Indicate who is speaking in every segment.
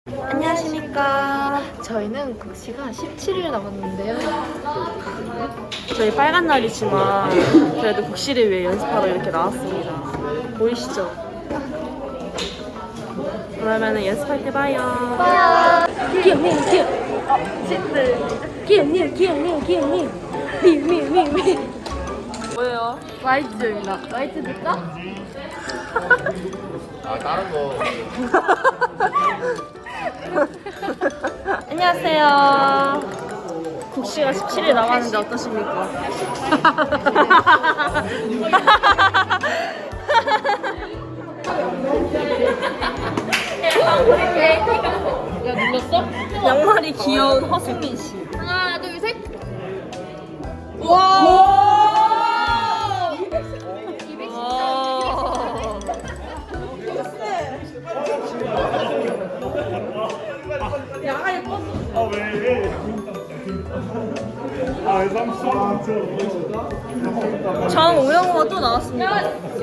Speaker 1: 안녕하십니까. 저희는 국시가 17일 남았는데요. 저희 빨간 날이지만 그래도 국시를 위해 연습하러 이렇게 나왔습니다. 보이시죠? 그러면은 연습할 때 봐요.
Speaker 2: 기억님. 기억님. 미.
Speaker 1: 뭐예요?
Speaker 2: 와이즈입니다. 와이즈 줄까?
Speaker 3: 아 다른 거
Speaker 1: 안녕하세요. 국시가 17일 남았는데 어떠십니까?
Speaker 2: 야, 눌렀어?
Speaker 1: 양말이 귀여운 허수민 씨.
Speaker 2: 하나, 둘, 셋.
Speaker 1: 와! 정우영우가 또 나왔습니다.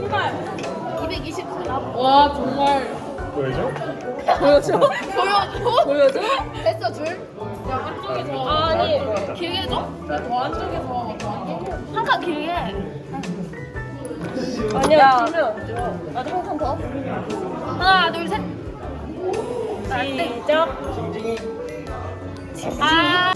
Speaker 2: 224. 와, 정말.
Speaker 1: 보여줘?
Speaker 2: 보여줘?
Speaker 1: 보여줘?
Speaker 2: 됐어, 줄. 야, 안쪽에서. 아니, 길게 해줘? 더 안쪽에서. 더 안쪽에. 한 칸 길게.
Speaker 1: 아니야.
Speaker 2: 길면 안 줘. 나도 한 칸 더. 하나, 둘, 셋.
Speaker 1: 시작.
Speaker 2: 아.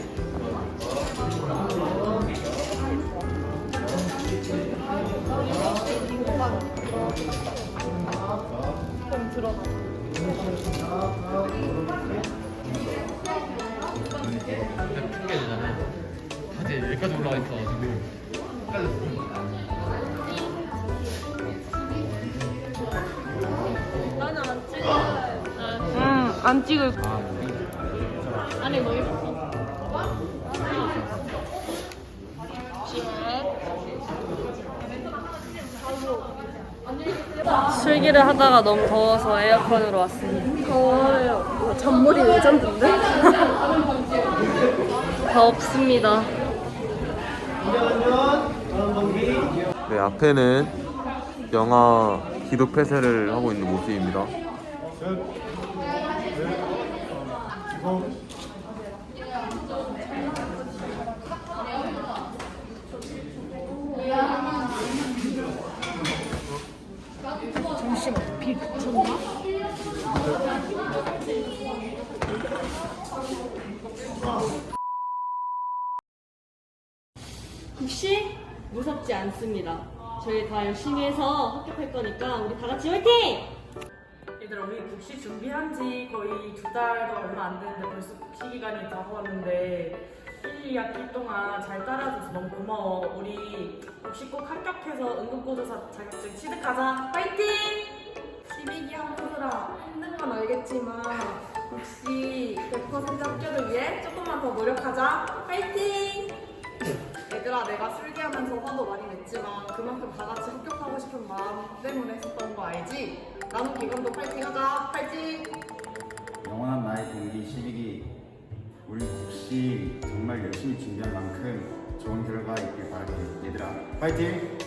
Speaker 1: 좀 들어가.
Speaker 3: 핑계잖아. 다들 여기까지 올라가 있어 지금.
Speaker 2: 나는 안 찍어.
Speaker 1: 안 찍을.
Speaker 2: 안에 뭐 입었어?
Speaker 1: 술기를 하다가 너무 더워서 에어컨으로 왔습니다. 더워요. 잔머리 레전드인데? 덥습니다.
Speaker 4: 네, 앞에는 영화 기록 폐쇄를 하고 있는 모습입니다.
Speaker 2: 잠시만, 비 그쳤나?
Speaker 1: 국시 무섭지 않습니다. 저희 다 열심히 해서 합격할 거니까 우리 다 같이 화이팅!
Speaker 5: 얘들아, 우리 국시 준비한 지 거의 2달도 얼마 안 됐는데 벌써 국시 기간이 다가왔는데 1, 2학기 동안 잘 따라줘서 너무 고마워. 우리 국시 꼭 합격해서 응급구조사 자격증 취득하자. 파이팅! 12기 학부들아, 힘든 건 알겠지만 국시 100% 합격을 위해 조금만 더 노력하자. 파이팅! 얘들아, 내가 술기하면서 화도 많이 냈지만 그만큼 다 같이 합격하고 싶은 마음 때문에 했었던 거 알지? 나눔 기간도 파이팅하자. 파이팅!
Speaker 6: 영원한 나의 동기 12기 우리 국시 정말 열심히 준비한 만큼 좋은 결과 있길 바랄게. 얘들아 파이팅!